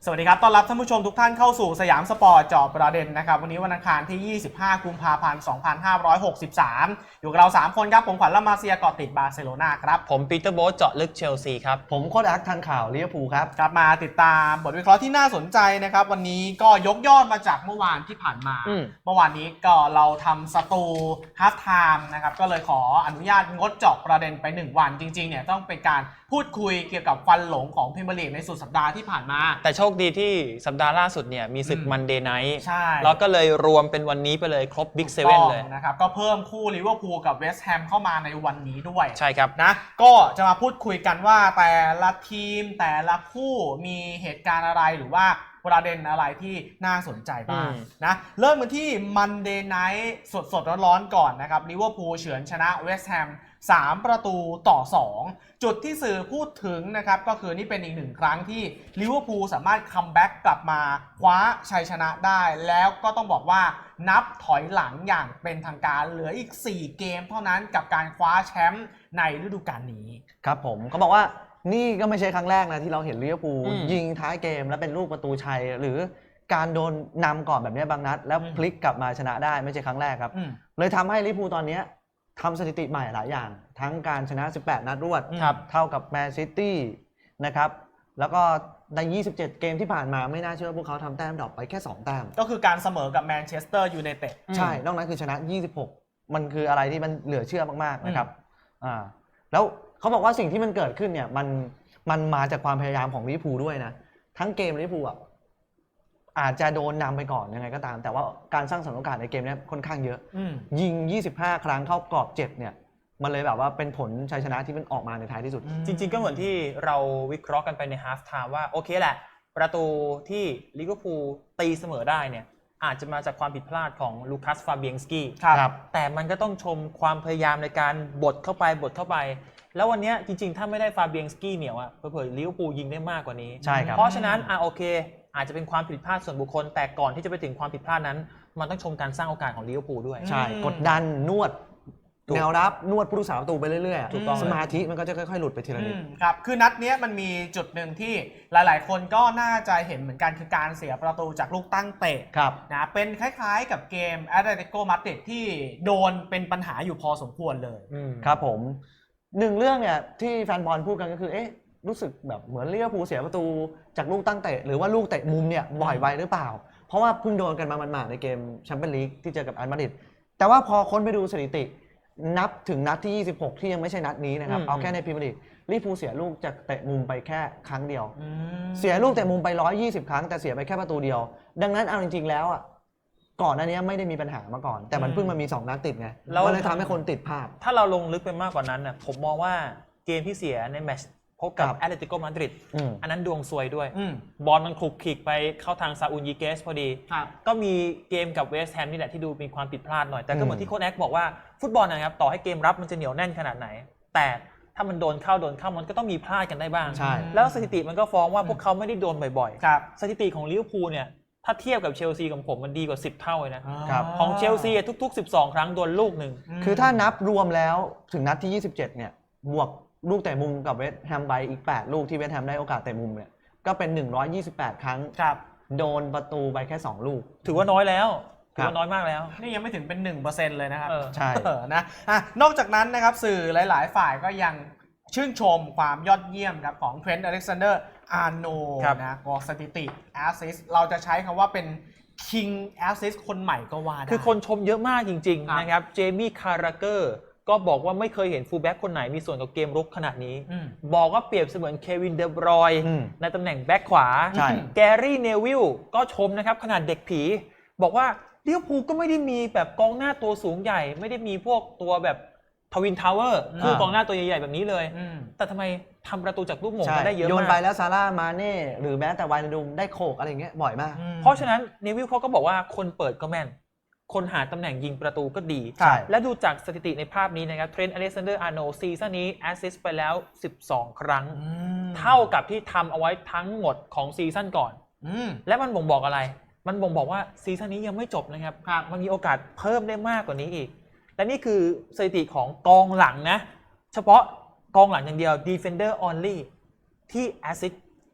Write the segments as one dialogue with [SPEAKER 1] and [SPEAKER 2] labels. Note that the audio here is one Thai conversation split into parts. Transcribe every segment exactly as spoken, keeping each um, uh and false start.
[SPEAKER 1] สวัสดีครับต้อนรับท่านผู้ชมทุกท่านเข้าสู่สยามสปอร์ตเจาะประเด็นนะครับวันนี้วันอังคารที่ยี่สิบห้ากุมภาพันธ์สองพันห้าร้อยหกสิบสามอยู่กับเราสามคนครับผมขวัญละมาเซียเกาะติดบาร์เซโลนาครับ
[SPEAKER 2] ผมปีเตอร์โบ๊ทเจาะลึกเชลซีครับ
[SPEAKER 3] ผมโค้ชอักทันข่าวลิเวอร์พูลครับ
[SPEAKER 1] กลับมาติดตามบทวิเคราะห์ที่น่าสนใจนะครับวันนี้ก็ยกยอดมาจากเมื่อวานที่ผ่านมาเมื่อวานนี้ก็เราทำสตูฮาล์ฟไทม์นะครับก็เลยขออนุญาตงดเจาะประเด็นไปหนึ่งวันจริงๆเนี่ยต้องเป็นการพูดคุยเกี่ยวกับควันหลงของพรีเมียร์ลีกในสุดสัปดาห์ที่ผ่านมา
[SPEAKER 2] แต่โชคดีที่สัปดาห์ล่าสุดเนี่ยมีศึกมันเดย์ไนท์
[SPEAKER 1] ใช่
[SPEAKER 2] แล้วก็เลยรวมเป็นวันนี้ไปเลยครบบิ๊กเซเว่นเลย
[SPEAKER 1] นะครับก็เพิ่มคู่ลิเวอร์พูลกับเวสต์แฮมเข้ามาในวันนี้ด้วย
[SPEAKER 2] ใช่ครับ
[SPEAKER 1] นะก็จะมาพูดคุยกันว่าแต่ละทีมแต่ละคู่มีเหตุการณ์อะไรหรือว่าประเด็นอะไรที่น่าสนใจบ้างนะเริ่มกันที่มันเดย์ไนท์สดๆร้อนๆก่อนนะครับลิเวอร์พูลเฉือนชนะเวสต์แฮมสามประตูต่อสองจุดที่สื่อพูดถึงนะครับก็คือนี่เป็นอีกหนึ่งครั้งที่ลิเวอร์พูลสามารถคัมแบ็กกลับมาคว้าชัยชนะได้แล้วก็ต้องบอกว่านับถอยหลังอย่างเป็นทางการเหลืออีกสี่เกมเท่านั้นกับการคว้าแชมป์ในฤดูกาลนี้
[SPEAKER 3] ครับผมเขาบอกว่านี่ก็ไม่ใช่ครั้งแรกนะที่เราเห็นลิเวอร์พูลยิงท้ายเกมแล้วเป็นลูกประตูชัยหรือการโดนนำก่อนแบบนี้บางนัดแล้วพลิกกลับมาชนะได้ไม่ใช่ครั้งแรกครับเลยทำให้ลิเวอร์พูลตอนนี้ทำสถิติใหม่หลายอย่างทั้งการชนะสิบแปดนัดรวดเท่ากับแมนซิตี้นะครับแล้วก็ในยี่สิบเจ็ดเกมที่ผ่านมาไม่น่าเชื่อว่าพวกเขาทำแต้มดรอปไปแค่สองแต้ม
[SPEAKER 1] ก็คือการเสมอกับแมนเชสเตอร์ยูไนเต็ด
[SPEAKER 3] ใช่นอกนั้นคือชนะยี่สิบหกมันคืออะไรที่มันเหลือเชื่อมากๆนะครับอ่าแล้วเขาบอกว่าสิ่งที่มันเกิดขึ้นเนี่ยมันมันมาจากความพยายามของลิเวอร์พูลด้วยนะทั้งเกมลิเวอร์พูลอ่ะอาจจะโดนนำไปก่อนยังไงก็ตามแต่ว่าการสร้างสรรค์โอกาสในเกมนี้ค่อนข้างเยอะยิงยี่สิบห้าครั้งเข้ากรอบเจ็ดเนี่ยมันเลยแบบว่าเป็นผลชัยชนะที่มันออกมาในท้ายที่สุด
[SPEAKER 2] จริงๆก็เหมือนที่เราวิเคราะห์กันไปในฮาล์ฟไทม์ว่าโอเคแหละประตูที่ลิเวอร์พูลตีเสมอได้เนี่ยอาจจะมาจากความผิดพลาดของลูคัสฟาเบียงสกี้แต่มันก็ต้องชมความพยายามในการบดเข้าไปบดเข้าไปแล้ววันนี้จริงๆถ้าไม่ได้ฟาเบียงสกี้เหนียวอ่ะเผลอๆลิเวอร์พูลยิงได้มากกว่านี้
[SPEAKER 3] ใช่ครับ
[SPEAKER 2] เพราะฉะนั้นอ่ะโอเคอาจจะเป็นความผิดพลาดส่วนบุคคลแต่ก่อนที่จะไปถึงความผิดพลาดนั้นมันต้องชมการสร้างโอกาสของลิเวอร์พูลด้วย
[SPEAKER 3] ใช่กดดันนวดแนวรับนวดผู้รักษาประตูไปเรื่อยๆถูกต้องสมาธิมันก็จะค่อยๆหลุดไปทีละนิด
[SPEAKER 1] ครับคือนัดนี้มันมีจุดหนึ่งที่หลายๆคนก็น่าจะเห็นเหมือนกันคือการเสียประตูจากลูกตั้งเตะนะเป็นคล้ายๆกับเกมแอตเลติโกมาดริดที่โดนเป็นปัญหาอยู่พอสมควรเลย
[SPEAKER 3] ครับผมหนึ่งเรื่องเนี่ยที่แฟนบอลพูดกันก็คือเอ๊ะรู้สึกแบบเหมือนลิเวอร์พูลเสียประตูจากลูกตั้งเตะหรือว่าลูกเตะมุมเนี่ยบ่อยไปหรือเปล่าเพราะว่าเพิ่งโดนกันมาหมาดๆในเกมแชมเปี้ยนลีกที่เจอกับอัลมาดริดแต่ว่าพอค้นไปดูสถิตินับถึงนัดที่ยี่สิบหกที่ยังไม่ใช่นัดนี้นะครับเอาแค่ในพรีเมียร์ลีกลิเวอร์พูลเสียลูกจากเตะมุมไปแค่ครั้งเดียวเสียลูกเตะมุมไปหนึ่งร้อยยี่สิบครั้งแต่เสียไปแค่ประตูเดียวดังนั้นเอาจริงๆแล้วอ่ะก่อนหน้านี้ไม่ได้มีปัญหามาก่อนแต่มันเพิ่งมามีสองนัดติดไงมันเลยทำให้คนติดภาพ
[SPEAKER 2] ถ้าเราลงลึกไปมากกว่านั้นน่ะผมมองว่าเกมที่เสียในแมตช์พบกับแอตเลติโกมาดริดอันนั้นดวงซวยด้วยบอลมันคลุกคลิกไปเข้าทางซาอูลยีเกสพอดีก็มีเกมกับเวสต์แฮมนี่แหละที่ดูมีความผิดพลาดหน่อยแต่ก็เหมือนที่โค้ชแอ็กบอกว่าฟุตบอลนะครับต่อให้เกมรับมันจะเหนียวแน่นขนาดไหนแต่ถ้ามันโดนเข้าโดนเข้ามันก็ต้องมีพลาดกันได้บ้างแล้วสถิติมันก็ฟ้องว่าพวกเขาไม่ได้โดนบ่อยๆสถิติของลิเวอร์พูลเนี่ยถ้าเทียบกับเชลซีของผมมันดีกว่าสิบเท่าเลยนะของเชลซีทุกๆสิบสองครั้งโดนลูกหนึ่ง
[SPEAKER 3] คือถ้านับรวมแล้วถึงนัดที่ยี่สิบเจ็ดเนี่ยบวกลูกเตะมุมกับเวสต์แฮมไปอีกแปดลูกที่เวสต์แฮมได้โอกาสเตะมุมเนี่ยก็เป็นหนึ่งร้อยยี่สิบแปดครั้งโดนประตูไปแค่สองลูก
[SPEAKER 2] ถือว่าน้อยแล้วถือว่าน้อยมากแล้ว
[SPEAKER 1] นี่ยังไม่ถึงเป็น หนึ่งเปอร์เซ็นต์ เลยนะครับ
[SPEAKER 3] ใช่
[SPEAKER 1] นะอ่ะนอกจากนั้นนะครับสื่อหลายๆฝ่ายก็ยังชื่นชมความยอดเยี่ยมครับของเทรนต์อเล็กซานเดอร์อาร์โนนะก็สถิติแอสซิสต์เราจะใช้คำว่าเป็นคิงแอสซิสต์คนใหม่ก็ว่าได้
[SPEAKER 2] คือคนชมเยอะมากจริงๆนะครับเจมี่คาราเกอร์ก็บอกว่าไม่เคยเห็นฟูลแบ็กคนไหนมีส่วนกับเกมรุกขนาดนี้บอกว่าเปรียบเสมือนเควินเดบรอยในตำแหน่งแบ็กขวาแกรี่เนวิลก็ชมนะครับขนาดเด็กผีบอกว่าลิเวอร์พูลก็ไม่ได้มีแบบกองหน้าตัวสูงใหญ่ไม่ได้มีพวกตัวแบบทวินทาวเวอร์คือกองหน้าตัวใหญ่ๆแบบนี้เลยแต่ทำไมทำประตูจากลูกโมงได้เยอะมาก
[SPEAKER 3] โยนไปแล้วซาร่ามาเน่หรือแม้แต่วายนาดุมได้โขกอะไรเงี้ยบ่อยมาก
[SPEAKER 2] เพราะฉะนั้นเนวิลเขาก็บอกว่าคนเปิดก็แม่นคนหาตำแหน่งยิงประตูก็ดีและดูจากสถิติในภาพนี้นะครับเทรนต์อเล็กซานเดอร์อาร์โนลด์ซีซั่นนี้แอสซิสต์ไปแล้วสิบสองครั้งเท่ากับที่ทำเอาไว้ทั้งหมดของซีซั่นก่อนและมันบ่งบอกอะไรมันบ่งบอกว่าซีซั่นนี้ยังไม่จบนะครับมันมีโอกาสเพิ่มได้มากกว่านี้อีกและนี่คือสถิติของกองหลังนะเฉพาะกองหลังอย่างเดียว defender only ที่แอสซิสต์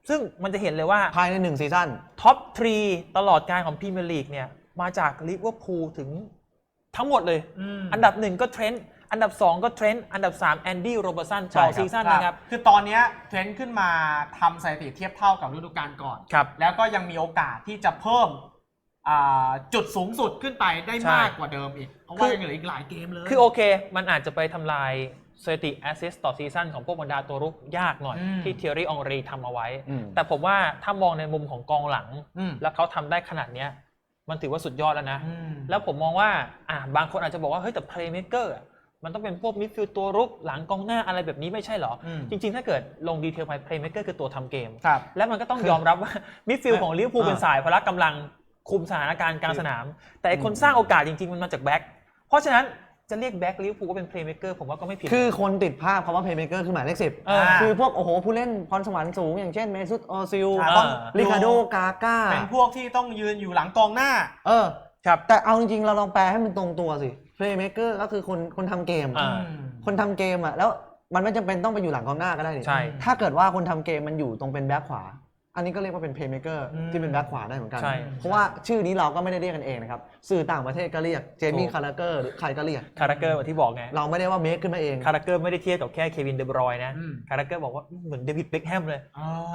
[SPEAKER 2] ซึ่งมันจะเห็นเลยว่า
[SPEAKER 3] ภายในหนึ่งซีซั่น
[SPEAKER 2] ท็อปทรีตลอดการของพรีเมียร์ลีกเนี่ยมาจากลิเวอร์พูลถึงทั้งหมดเลย อันดับหนึ่งก็เทรนต์อันดับสองก็เทรนต์อันดับสามแอนดี้โรเบอร์สันต่อซีซั่นนะครับ
[SPEAKER 1] คือตอนนี้เทรนต์ขึ้นมาทำสถิติเทียบเท่ากับฤดูกาลก่อนแล้วก็ยังมีโอกาสที่จะเพิ่มจุดสูงสุดขึ้นไปได้มากกว่าเดิมอีกเพราะว่ายังเหลืออีกหลายเกมเลย
[SPEAKER 2] คือโอเคมันอาจจะไปทำลายสถิติแอสซิสต์ต่อซีซั่นของพวกบรรดาตัวรุกยากหน่อยที่เทียรี่องรีทำเอาไว้แต่ผมว่าถ้ามองในมุมของกองหลังแล้วเขาทำได้ขนาดนี้มันถือว่าสุดยอดแล้วนะแล้วผมมองว่าอ่ะบางคนอาจจะบอกว่าเฮ้ยแต่เพลย์เมคเกอร์มันต้องเป็นพวกมิดฟิลด์ตัวรุกหลังกองหน้าอะไรแบบนี้ไม่ใช่หรอจริงๆถ้าเกิดลงดีเทลไปเพลย์เมคเกอร์คือตัวทำเกมแล้วมันก็ต้องยอมรับว่ามิดฟิลด์ของลิเวอร์พูลเป็นสายพละกำลังคุมสถานการณ์กลางสนามแต่คนสร้างโอกาสจริงๆมันมาจากแบ็คเพราะฉะนั้นจะเรียกแบ็คลิเวอร์พูลว่าเป็นเพลย์เมคเกอร์ผมว่าก็ไม่ผิด
[SPEAKER 3] คือคนติดภาพคำว่าเพลย์เมคเกอร์คือหมายเลขสิบคือพวกโอ้โหผู้เล่นพรสวรรค์สูงอย่างเช่นเมซุตโอซิลริคาร์โดกาก้า
[SPEAKER 1] เป็นพวกที่ต้องยืนอยู่หลังกองหน้า
[SPEAKER 3] เออครับแต่เอาจริงๆเราลองแปลให้มันตรงตัวสิเพลย์เมคเกอร์ก็คือคนคนทำเกมคนทำเกมอ่ะแล้วมันไม่จำเป็นต้องไปอยู่หลังกองหน้าก็ได้
[SPEAKER 2] ใช่
[SPEAKER 3] ถ้าเกิดว่าคนทำเกมมันอยู่ตรงเป็นแบ็คขวาอันนี้ก็เรียกว่าเป็นเพลย์เมคเกอร์ที่เป็นแบ็คขวาได้เหมือนกันเพราะว่าชื่อนี้เราก็ไม่ได้เรียกกันเองนะครับสื่อต่างประเทศก็เรียกเจมี่คาราเกอร์หรือใครก็เรียก
[SPEAKER 2] คาราเกอร์ที่บอกไง
[SPEAKER 3] เราไม่ได้ว่าเมคขึ้นมาเอง
[SPEAKER 2] คาราเกอร์ไม่ได้เทียบกับแค่เควินเดบรอยน์นะคาราเกอร์บอกว่าเหมือนเดวิดเบ็คแฮมเลย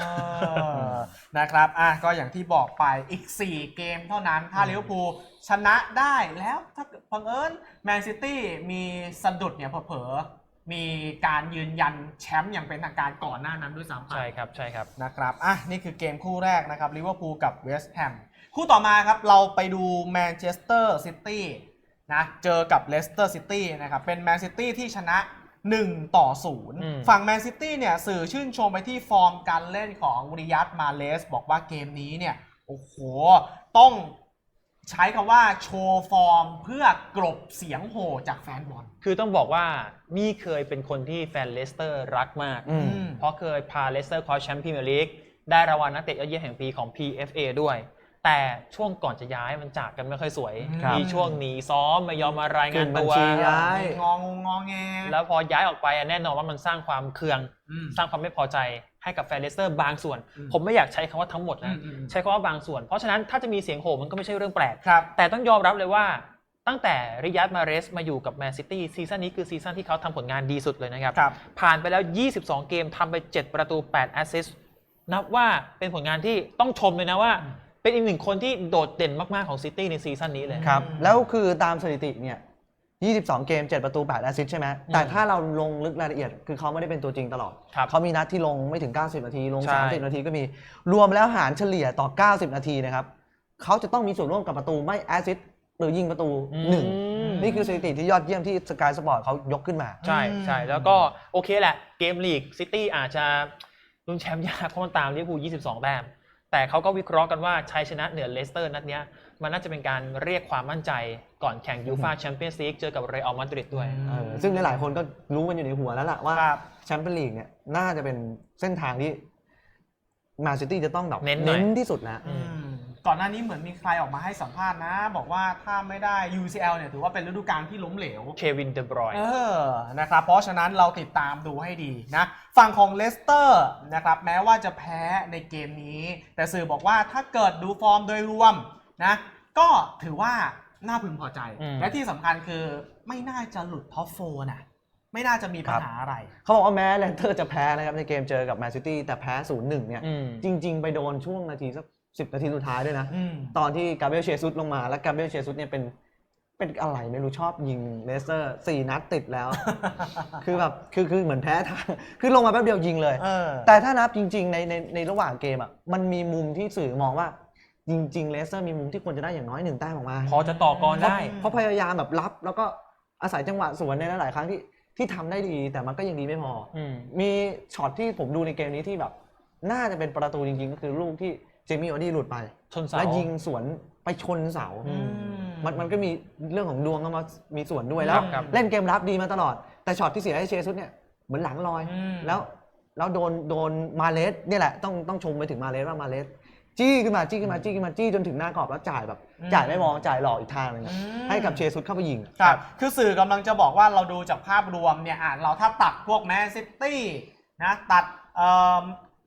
[SPEAKER 1] นะครับอ่ะก็อย่างที่บอกไปอีกสี่เกมเท่านั้นถ้าลิเวอร์พูลชนะได้แล้วถ้าบังเอิญแมนซิตี้มีสะดุดเนี่ยเผลอมีการยืนยันแชมป์อย่างเป็นทางการก่อนหน้านั้นด้วยซ้ำ
[SPEAKER 2] ใช่ครับใช่ครับ
[SPEAKER 1] นะครับอ่ะนี่คือเกมคู่แรกนะครับลิเวอร์พูลกับเวสต์แฮมคู่ต่อมาครับเราไปดูแมนเชสเตอร์ซิตี้นะเจอกับเลสเตอร์ซิตี้นะครับเป็นแมนซิตี้ที่ชนะหนึ่งต่อศูนย์ฝั่งแมนซิตี้เนี่ยสื่อชื่นชมไปที่ฟอร์มการเล่นของริยัดมาเลสบอกว่าเกมนี้เนี่ยโอ้โหต้องใช้คำว่าโชว์ฟอร์มเพื่อกลบเสียงโห่จากแฟนบอล
[SPEAKER 2] คือต้องบอกว่ามี่เคยเป็นคนที่แฟนเลสเตอร์รักมากเพราะเคยพาเลสเตอร์คว้าแชมป์พรีเมียร์ลีกได้รางวัลนักเตะยอดเยี่ยมแห่งปีของ พี เอฟ เอ ด้วยแต่ช่วงก่อนจะย้ายมันจากกันไม่ค่อยสวยมีช่วงหนีซ้อมไม่ยอมมารายงานตัว
[SPEAKER 3] ย้าย
[SPEAKER 1] งองงอแง
[SPEAKER 2] แล้วพอย้ายออกไปแน่นอนว่ามันสร้างความเคืองสร้างความไม่พอใจให้กับแฟนเลสเตอร์บางส่วนผมไม่อยากใช้คำว่าทั้งหมดนะใช้คำว่าบางส่วนเพราะฉะนั้นถ้าจะมีเสียงโห่มันก็ไม่ใช่เรื่องแปลกแต่ต้องยอมรับเลยว่าตั้งแต่ริยัดมาเรสมาอยู่กับแมนซิตี้ซีซั่นนี้คือซีซั่นที่เขาทำผลงานดีสุดเลยนะครับผ่านไปแล้วยี่สิบสองเกมทำไปเจ็ดประตูแปดแอสซิสต์นับว่าเป็นผลงานที่ต้องชมเลยนะว่าเป็นอีกหนึ่งคนที่โดดเด่นมากๆของซิตี้ในซีซั่นนี้เลย
[SPEAKER 3] ครับแล้วคือตามสถิติเนี่ยยี่สิบสองเกมเจ็ดประตูแปดแอสซิสต์ใช่ไหมแต่ถ้าเราลงลึกรายละเอียดคือเขาไม่ได้เป็นตัวจริงตลอดเขามีนัดที่ลงไม่ถึงเก้าสิบนาทีลงสามสิบนาทีก็มีรวมแล้วหารเฉลี่ยต่อเก้าสิบนาทีนะครับเขาจะต้องมีส่วนร่วมกับประตูไม่แอสซิสต์หรือยิงประตูหนึ่งนี่คือสถิติที่ยอดเยี่ยมที่สกายสปอร์ตเขายกขึ้นมา
[SPEAKER 2] ใช่ใช่แล้วก็โอเคแหละเกมลีกซิตี้อาจจะลุ้นแชมป์ยากเพราะมันตามลิเวอร์พูลยี่สิบสองแต้มแต่เขาก็วิเคราะห์กันว่าชัยชนะเหนือเลสเตอร์นัดนี้มันน่าจะเป็นการเรียกความมั่นใจก่อนแข่งยูฟ่าแชมเปี้ยนส์ลีกเจอกับเรอัลมาดริดด้วย
[SPEAKER 3] ซึ่งหลายๆคนก็รู้กันอยู่ในหัวแล้วล่ะว่าแชมเปี้ยนส์ลีกเนี่ยน่าจะเป็นเส้นทางที่แมนซิตี้จะต้องแบบเน้นที่สุดนะ
[SPEAKER 1] ก่อนหน้านี้เหมือนมีใครออกมาให้สัมภาษณ์นะบอกว่าถ้าไม่ได้ ยู ซี แอล เนี่ยถือว่าเป็นฤดูกาลที่ล้มเหลว
[SPEAKER 2] เควินเดบรอยน์
[SPEAKER 1] เออนะครับเพราะฉะนั้นเราติดตามดูให้ดีนะฝั่งของเลสเตอร์นะครับแม้ว่าจะแพ้ในเกมนี้แต่สื่อบอกว่าถ้าเกิดดูฟอร์มโดยรวมนะก็ถือว่าน่าพึงพอใจและที่สำคัญคือไม่น่าจะหลุดท็อปโฟร์นะไม่น่าจะมีปัญหาอะไร
[SPEAKER 3] เขาบอกว่าแม้เลสเตอร์จะแพ้นะครับในเกมเจอกับแมนซิตี้แต่แพ้ ศูนย์หนึ่ง เนี่ยจริงๆไปโดนช่วงนาทีสักสิบนาทีสุดท้ายด้วยนะตอนที่กาเบรียลเชซุสลงมาแล้วกาเบรียลเชซุสเนี่ยเป็นเป็นอะไรไม่รู้ชอบยิงเลสเตอร์สี่นัดติดแล้ว คือแบบคือคือเหมือนแพ้ทางคือลงมาแป๊บเดียวยิงเลยแต่ถ้านับจริงๆในในในระหว่างเกมอ่ะมันมีมุมที่สื่อมองว่าจริงๆเลสเตอร์มีมุมที่ควรจะได้อย่างน้อยหนึ่งแต้มออกมา
[SPEAKER 2] พอจะต่อกรได้
[SPEAKER 3] เพราะพยายามแบบรับแล้วก็อาศัยจังหวะสวนในหลายๆครั้งที่ที่ทำได้ดีแต่มันก็ยังดีไม่พอมีช็อตที่ผมดูในเกมนี้ที่แบบน่าจะเป็นประตูจริงๆก็คือลูกที่เจมี่ออดี้หลุดไปแล้วยิงสวนไปชนเสามันมันก็มีเรื่องของดวงเข้ามามีส่วนด้วยแล้วเล่นเกมรับดีมาตลอดแต่ช็อตที่เสียให้เชซุสเนี่ยเหมือนหลังลอยแล้วแล้วโดนโดนมาเลสเนี่ยแหละต้องต้องชมไปถึงมาเลสว่ามาเลสจี้ขึ้นมาจี้ขึ้นมาจี้ขึ้นมาจี้จนถึงหน้ากรอบแล้วจ่ายแบบจ่ายไม่มองจ่ายหลอกอีกทางนึงให้กับเชซุสเข้าไปยิง
[SPEAKER 1] ครับคือสื่อกำลังจะบอกว่าเราดูจากภาพรวมเนี่ยอ่ะเราถ้าตัดพวกแมนซิตี้นะตัดเอ่อ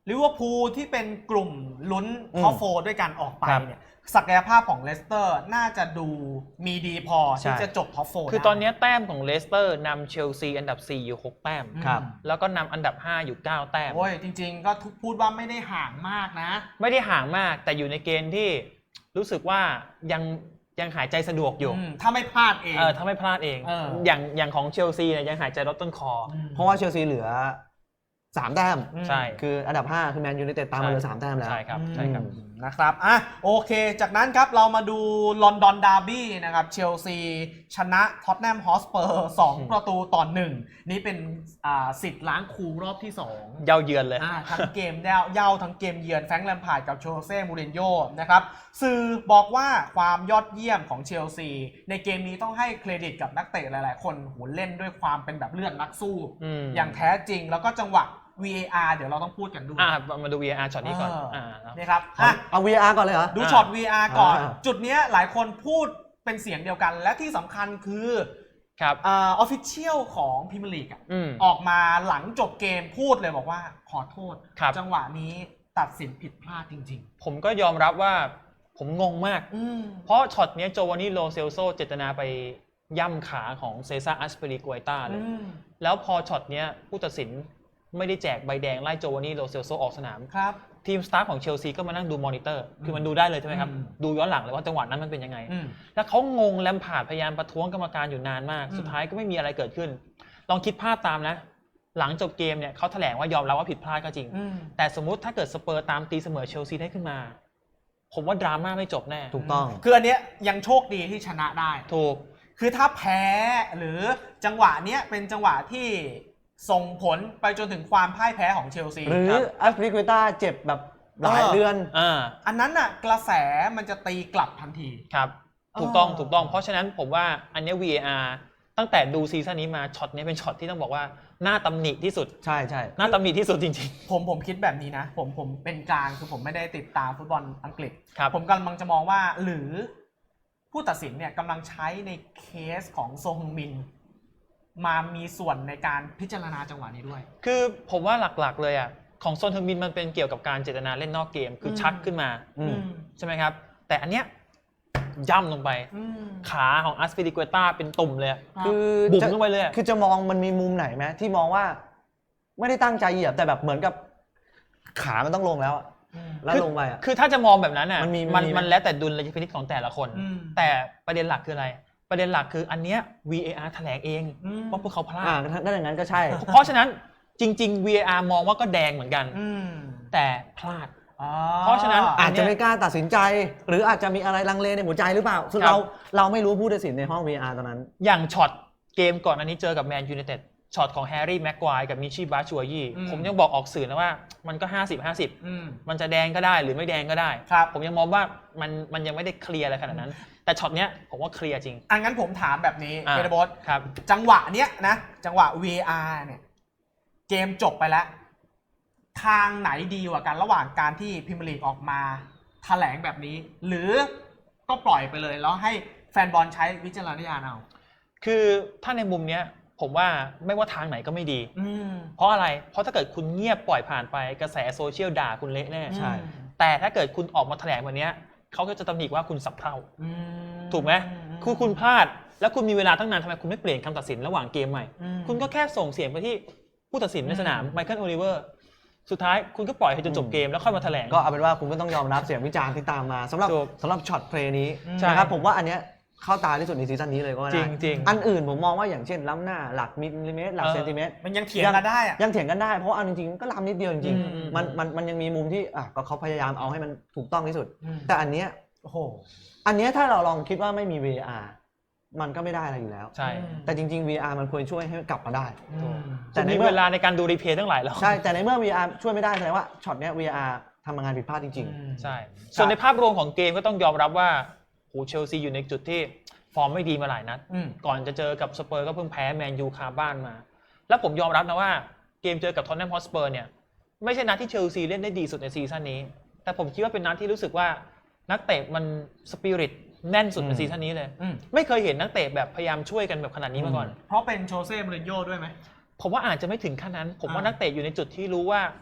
[SPEAKER 1] ลิเวอร์พูลที่เป็นกลุ่มลุ้นท็อปโฟร์ด้วยกันออกไป
[SPEAKER 2] ครับ
[SPEAKER 1] เนี่ยศักยภาพของเลสเตอร์น่าจะดูมีดีพอที่
[SPEAKER 3] ใช่
[SPEAKER 1] จะจบท็อปโฟร์
[SPEAKER 2] คือตอนนี้แต้มของเลสเตอร์นำเชลซีอันดับสี่อยู่หกแต้ม
[SPEAKER 3] ครับ
[SPEAKER 2] แล้วก็นำอันดับห้าอยู่เก้าแต้ม
[SPEAKER 1] โอ้ยจริงๆก็ทุกพูดว่าไม่ได้ห่างมากนะ
[SPEAKER 2] ไม่ได้ห่างมากแต่อยู่ในเกณฑ์ที่รู้สึกว่ายังยังหายใจสะดวกอยู่
[SPEAKER 1] อืมถ้าไม่พลาดเอง
[SPEAKER 2] เออถ้าไม่พลาดเอง
[SPEAKER 1] เออ
[SPEAKER 2] อย่างอย่างของเชลซีเนี่ยยังหายใจลดต้นคอ
[SPEAKER 1] ม
[SPEAKER 3] เพราะว่าเชลซีเหลือสามแต้ม
[SPEAKER 1] อืม
[SPEAKER 2] ใช่
[SPEAKER 3] คืออันดับห้าคือแมนยูไนเต็ดตามมาเหลือสามแต้มแล้ว
[SPEAKER 2] ใช่ครับใช่ครับ
[SPEAKER 1] อืมนะครับอ่ะโอเค จากนั้นครับเรามาดูลอนดอนดาร์บี้นะครับเชลซีชนะท็อตแนมฮอสเปอร์สอง
[SPEAKER 2] อืม
[SPEAKER 1] ประตูต่อหนึ่งนี่เป็นอ่าสิทธิ์ล้างครูรอบที่สอง
[SPEAKER 2] เย้าเยือนเลย
[SPEAKER 1] อ่าทั้งเกมเย้าเย้าทั้งเกมเยือนแฟรงค์แลมพาร์ดกับโชเซ่มูรินโญ่นะครับสื่อบอกว่าความยอดเยี่ยมของเชลซีในเกมนี้ต้องให้เครดิตกับนักเตะหลายๆ คนโหเล่นด้วยความเป็นแบบเลือดนักสู้
[SPEAKER 2] อืม
[SPEAKER 1] อย่างแท้จริงแล้วก็จังหวะ วี เอ อาร์ เดี๋ยวเราต้องพูดกันด้วย
[SPEAKER 2] อ่ะมาดู วี อาร์ ช็อตนี้ก่อน
[SPEAKER 1] เอออ่
[SPEAKER 2] อ่า
[SPEAKER 1] นี่ครับ
[SPEAKER 3] เอา
[SPEAKER 1] อ่ะ
[SPEAKER 3] เอา วี อาร์ ก่อนเลยเหรอ
[SPEAKER 1] ดูช็อต วี อาร์ ก่อน
[SPEAKER 3] อ่า
[SPEAKER 1] จุดเนี้ยหลายคนพูดเป็นเสียงเดียวกัน และที่สำคัญคือ
[SPEAKER 2] ครับ
[SPEAKER 1] อ่าออฟฟิเชียลของพรีเมียร์ลีกอ่ะ
[SPEAKER 2] อืม
[SPEAKER 1] ออกมาหลังจบเกมพูดเลยบอกว่าขอโทษ
[SPEAKER 2] ครับ
[SPEAKER 1] จังหวะนี้ตัดสินผิดพลาดจริง
[SPEAKER 2] ผมก็ยอมรับว่าผมงงมาก
[SPEAKER 1] ๆ อืม
[SPEAKER 2] เพราะช็อตเนี้ยโจวานนี่โลเซลโซเจตนาไปย่ำขาของเซซ่าอัสเปริกวยต้าเลย
[SPEAKER 1] อืม
[SPEAKER 2] แล้วพอช็อตเนี้ยผู้ตัดสินไม่ได้แจกใบแดงไล่โจวานนี่โลเซลโซออกสนาม
[SPEAKER 1] ครับ
[SPEAKER 2] ทีมสตาฟของเชลซีก็มานั่งดูมอนิเตอร์ คือมันดูได้เลยใช่ไหมครับ
[SPEAKER 1] อืม
[SPEAKER 2] ดูย้อนหลังเลยว่าจังหวะนั้นมันเป็นยังไง
[SPEAKER 1] อืม
[SPEAKER 2] แล้วเขางงแลมพาร์ดพยายามประท้วงกรรมการอยู่นานมาก
[SPEAKER 1] อืม
[SPEAKER 2] สุดท้ายก็ไม่มีอะไรเกิดขึ้น ลองคิดภาพตามนะ หลังจบเกมเนี่ยเขาแถลงว่ายอมรับว่าผิดพลาดก็จริง
[SPEAKER 1] อืม
[SPEAKER 2] แต่สมมุติถ้าเกิดสเปอร์ตามตีเสมอเชลซีได้ขึ้นมา ผมว่าดราม่าไม่จบแน่
[SPEAKER 3] ถูกต้อง
[SPEAKER 1] คืออันเนี้ยยังโชคดีที่ชนะได้
[SPEAKER 2] ถูก
[SPEAKER 1] คือถ้าแพ้หรือจังหวะเนี้ยเป็นจังหวะที่ส่งผลไปจนถึงความพ่ายแพ้ของเชลซี
[SPEAKER 3] หรือ
[SPEAKER 2] ครับ
[SPEAKER 3] อัสปริกวยต้าเจ็บแบบหลาย
[SPEAKER 1] เออ
[SPEAKER 3] เดือน
[SPEAKER 2] อ่า
[SPEAKER 1] อันนั้นน่ะกระแสมันจะตีกลับทันที
[SPEAKER 2] ครับ ถูกต้อง
[SPEAKER 1] เออ
[SPEAKER 2] ถูกต้อง เพราะฉะนั้นผมว่าอันเนี้ย วี เอ อาร์ ตั้งแต่ดูซีซั่นนี้มาช็อตนี้เป็นช็อตที่ต้องบอกว่าหน้าตำหนิที่สุด
[SPEAKER 3] ใช่ใช่
[SPEAKER 2] หน้าตำหนิที่สุดจริง
[SPEAKER 1] ผมผมคิดแบบนี้นะ ผมผมเป็นกลางคือผมไม่ได้ติดตามฟุตบอลอังกฤษ
[SPEAKER 2] ครับ
[SPEAKER 1] ผมกำลังจะมองว่าหรือผู้ตัดสินเนี่ยกำลังใช้ในเคสของโซฮงมิน มามีส่วนในการพิจารณาจังหวะนี้ด้วย
[SPEAKER 2] ๆ คือผมว่าหลักๆเลยอ่ะของโซนเทอร์มินมันเป็นเกี่ยวกับการเจตนาเล่นนอกเกม คือชักขึ้นมา
[SPEAKER 3] อืม
[SPEAKER 2] ใช่ไหมครับ แต่อันเนี้ยย่ำลงไป
[SPEAKER 1] อืม
[SPEAKER 2] ขาของอัสปิริกวยต้าเป็นตุ่มเลยอะ
[SPEAKER 3] คือ
[SPEAKER 2] บุ๋ม
[SPEAKER 3] จะ
[SPEAKER 2] ลงไปเลยอะ
[SPEAKER 3] คือจะมองมันมีมุมไหนไหมที่มองว่า ไม่ได้ตั้งใจเหยียบแต่แบบเหมือนกับขามันต้องลงแล้วอะ
[SPEAKER 1] อืม
[SPEAKER 3] แล้วลงไปอ่ะ
[SPEAKER 2] คือถ้าจะมองแบบนั้นอ่ะ
[SPEAKER 3] มันมี
[SPEAKER 2] มัน
[SPEAKER 3] มีไหม
[SPEAKER 2] มันแล้วแต่ดุลยพินิจของแต่ละคน
[SPEAKER 1] อืม
[SPEAKER 2] แต่ประเด็นหลักคืออะไร ประเด็นหลักคืออันเนี้ย วี เอ อาร์ แถลงเอง
[SPEAKER 1] อืม
[SPEAKER 2] ว่าพวกเขาพลา
[SPEAKER 3] อ่า
[SPEAKER 2] ด
[SPEAKER 3] ถ้าอย่างนั้นก็ใช่
[SPEAKER 2] เพราะฉะนั้นจริง ๆ วี เอ อาร์ มองว่าก็แดงเหมือนกัน
[SPEAKER 1] อืม
[SPEAKER 2] แต่พลาด
[SPEAKER 1] อ๋อ
[SPEAKER 2] เพราะฉะนั้น
[SPEAKER 3] อาจจะไม่กล้าตัดสินใจ หรืออาจจะมีอะไรลังเลในหัวใจหรือเปล่าซึ่ง
[SPEAKER 2] ครับ
[SPEAKER 3] เราเราไม่รู้ผู้ตัดสินในห้อง วี อาร์ ตอนนั้น
[SPEAKER 2] อย่างช็อตเกมก่อนอันนี้เจอกับแมนยูไนเต็ดช็อตของแฮร์รี่แม็กควายกับมิชิบาชัวยี่
[SPEAKER 1] อืม
[SPEAKER 2] ผมยังบอกออกสื่อนะว่ามันก็ ห้าสิบ ห้าสิบ
[SPEAKER 1] อืม
[SPEAKER 2] มันจะแดงก็ได้หรือไม่แดงก็ได้
[SPEAKER 1] ครับ
[SPEAKER 2] ผมยังมองว่ามันมันยังไม่ได้เคลียร์อะไรขนาดนั้น แต่ช็อตเนี้ยผมว่าเคลียร์จริง
[SPEAKER 1] อังั้นผมถามแบบนี้
[SPEAKER 2] อ่า
[SPEAKER 1] เบรบอส
[SPEAKER 2] ครับ
[SPEAKER 1] จังหวะเนี้ยนะ จังหวะ วี อาร์ เนี่ย เกมจบไปแล้ว ทางไหนดีกว่ากันระหว่างการที่พรีเมียร์ลีกออกมาแถลงแบบนี้ หรือก็ปล่อยไปเลย แล้วให้แฟนบอลใช้วิจารณญาณเอา
[SPEAKER 2] คือถ้าในมุมเนี้ยผมว่าไม่ว่าทางไหนก็ไม่ดี
[SPEAKER 1] อืม
[SPEAKER 2] เพราะอะไร เพราะถ้าเกิดคุณเงียบปล่อยผ่านไปกระแสโซเชียลด่าคุณเละแน่
[SPEAKER 3] ใช่
[SPEAKER 2] แต่ถ้าเกิดคุณออกมาแถลงวันเนี้ยเขาก็จะตำหนิว่าคุณสับเท่า
[SPEAKER 1] อืม
[SPEAKER 2] ถูกไหมคือคุณพลาด แล้วคุณมีเวลาตั้งนานทำไมคุณไม่เปลี่ยนคำตัดสินระหว่างเกมใหม่
[SPEAKER 1] อืม
[SPEAKER 2] คุณก็แค่ส่งเสียงไปที่ผู้ตัดสินในสนาม
[SPEAKER 1] อืม
[SPEAKER 2] ไมเคิลโอลิเวอร์ สุดท้ายคุณก็ปล่อยให้จนจบเกมแล้วค่อยมาแถลง
[SPEAKER 3] ก็เอาเป็นว่าคุณก็ต้องยอมรับเสียงวิจารณ์ที่ตามมาสำหรับ
[SPEAKER 2] ถูก
[SPEAKER 3] สำหรับช็อตเพลย์นี้
[SPEAKER 1] ใช่
[SPEAKER 3] นะครับผมว่าอันเนี้ยเข้าตาที่สุดในซีซั่นนี้เลยก็ว่า
[SPEAKER 2] จริ
[SPEAKER 3] ได้
[SPEAKER 2] งจริง
[SPEAKER 3] อันอื่นผมมองว่าอย่างเช่นล้ำหน้าหลักมิลลิเมตรหลัก
[SPEAKER 2] เออ
[SPEAKER 3] เซนติเมตร
[SPEAKER 1] มันยังเถียงกันได้อะ
[SPEAKER 3] ยังเถียงกันได้เพราะว่าเอาจริงๆก็ล้ำนิดเดียวจริง
[SPEAKER 2] อืมอืม
[SPEAKER 3] ๆมันมันมันยังมีมุมที่อ่ะก็เขาพยายามเอาให้มันถูกต้องที่สุด
[SPEAKER 1] อืม
[SPEAKER 3] แต่อันเนี้ย
[SPEAKER 1] โอ้โห
[SPEAKER 3] อันเนี้ยถ้าเราลองคิดว่าไม่มี วี อาร์ มันก็ไม่ได้อะไรอยู่แล้ว
[SPEAKER 2] ใช่
[SPEAKER 3] แต่จริง ๆ วี อาร์ มันควรช่วยให้กลับมาได้
[SPEAKER 1] อืม
[SPEAKER 3] แต่
[SPEAKER 2] แต่
[SPEAKER 3] ใน
[SPEAKER 2] ใน
[SPEAKER 3] เมื่อ
[SPEAKER 2] เวลาในการดูรีเพลย์ตั้งหลายรอบ
[SPEAKER 3] ใช่แต่ในเมื่อ วี อาร์ ช่วยไม่ได้แสดงว่าช็อตเนี้ย วี อาร์ ทำงานผิดพลาดจริง
[SPEAKER 1] อืม
[SPEAKER 2] ใช่ ส่วนในภาพรวมของเกมก็ต้องยอมรับว่าโหเชลซีอยู่ในจุดที่ฟอร์มไม่ดีมาหลายนัด
[SPEAKER 1] อืม
[SPEAKER 2] ก่อนจะเจอกับสเปอร์ก็เพิ่งแพ้แมนยูคาบ้านมา แล้วผมยอมรับนะว่าเกมเจอกับท็อตแนมฮอตสเปอร์เนี่ยไม่ใช่นัดที่เชลซีเล่นได้ดีสุดในซีซั่นนี้ แต่ผมคิดว่าเป็นนัดที่รู้สึกว่านักเตะมันสปิริตแน่นสุดใน
[SPEAKER 3] อืม
[SPEAKER 2] ซีซั่นนี้เลย
[SPEAKER 1] อืม
[SPEAKER 2] ไม่เคยเห็นนักเตะแบบพยายามช่วยกันแบบขนาดนี้มาก่อน
[SPEAKER 1] เพราะเป็นโชเซ่มูรินโญ่ด้วยไหม
[SPEAKER 2] ผมว่าอาจจะไม่ถึงขั้นนั้น ผมว่า
[SPEAKER 1] อ่านั
[SPEAKER 2] นักเตะอยู่ในจุดที่รู้ว่า